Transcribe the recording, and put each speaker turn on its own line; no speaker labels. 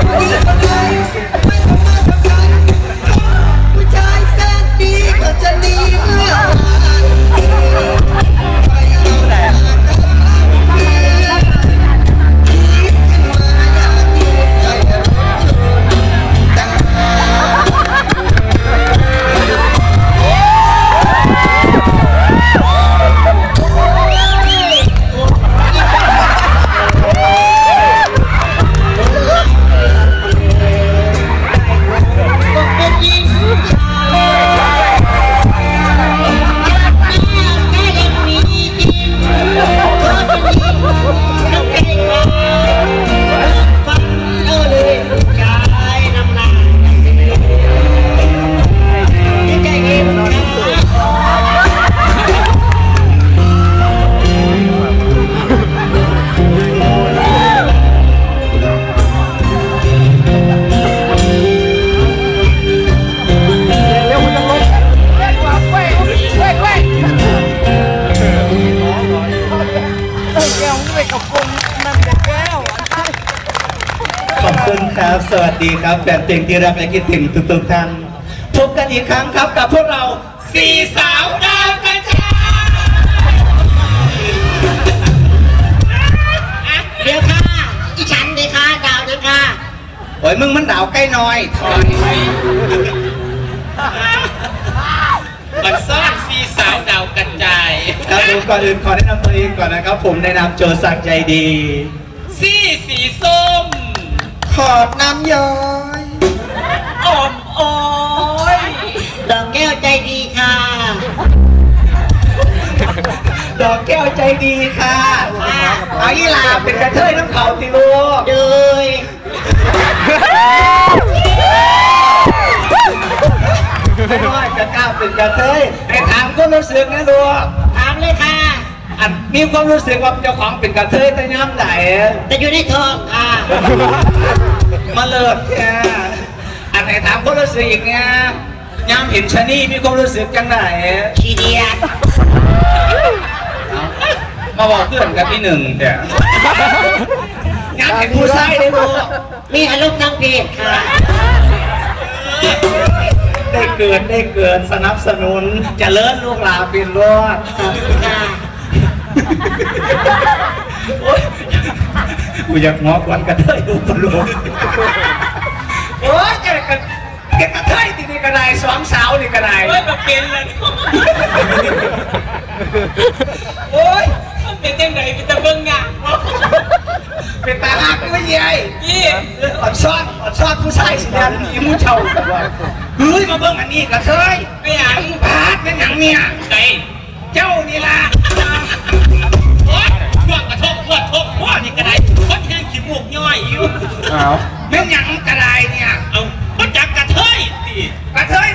ผู้ชายแสนดีก็จะหนีเมื่อ
สวัสดีครับแฟนเพลงที่รักและคิดถึงทุกท่านพบกันอีกครั้งครับกับพวกเราสี่สาวดาวกระจาย
เดี๋ยวค่ะอีฉันเลยค่ะดาวเลยค่ะ
โอ้ยมึงมันดาวใกล้น้อยถอย
มันซ่อนสี่สาวดาวกระจาย
ครับผมก่อนอื่นขอแนะนำตัวเองก่อนนะครับผมในนามโจสักใจดี
สีส้ม
ขอบน้ำย้อย
อ่อมอ้อย
ดอกแก้วใจดีค่ะ
ดอกแก้วใจดีค่ะเอาอีลาเป็นกระเทยน้ำเขาติลูก
เลย
ไม่น้อยจะก้าวเป็นกระเทยให้ถามก็รู้สึกนะลูก
ถามเลยค่ะ
มีความรู้สึกว่าเจ้าของเป็นกระเทยแต่ย้ำไหน
แต่อยู่ในท้องค่ะ
มาเลิกแค่ไหนถามความรู้สึกอีกเนี่ยย้ำเห็นชะนีมีความรู้สึกจังไหน
ขี้เดียด
มาบอกเพื่อนกับพี่หนึ่งเดี๋ยวย้ำเห็นผู้ชายได้ดู
มีอารมณ์ทางเพศค่ะ
ได้เกินสนับสนุนจะเลิศลูกหลานเป็นรอด
ค่ะ
กูอยากงอกวันกระเทยดูกระโหลกโอ้ยแกกระเทยที่นี่กระไรสองสาวนี่กระไร
โอ้ยแบบเป็นเลย
โอ้ย
มันเป็นยังไงเป็นตะเบิ้งอ่ะ
เป็นตาหักไม่ใหญ่อดชอบผู้ชายสิเนี่ยมีมูเช่าเฮ้ยมาเบิ้งอันนี้กระเทย
ไม่อยาก
พาดเป็นอย่างเนี้ย
ใคร
เจ้านี่ล่ะ
โอ๊ยพวกกระทบพวกนี่กระไรคนแห้งขี้มูกย่อยอยู่
เป็นอย่างกระไรเนี่ย
เอาก็จักกระเทยสิ
กระเทย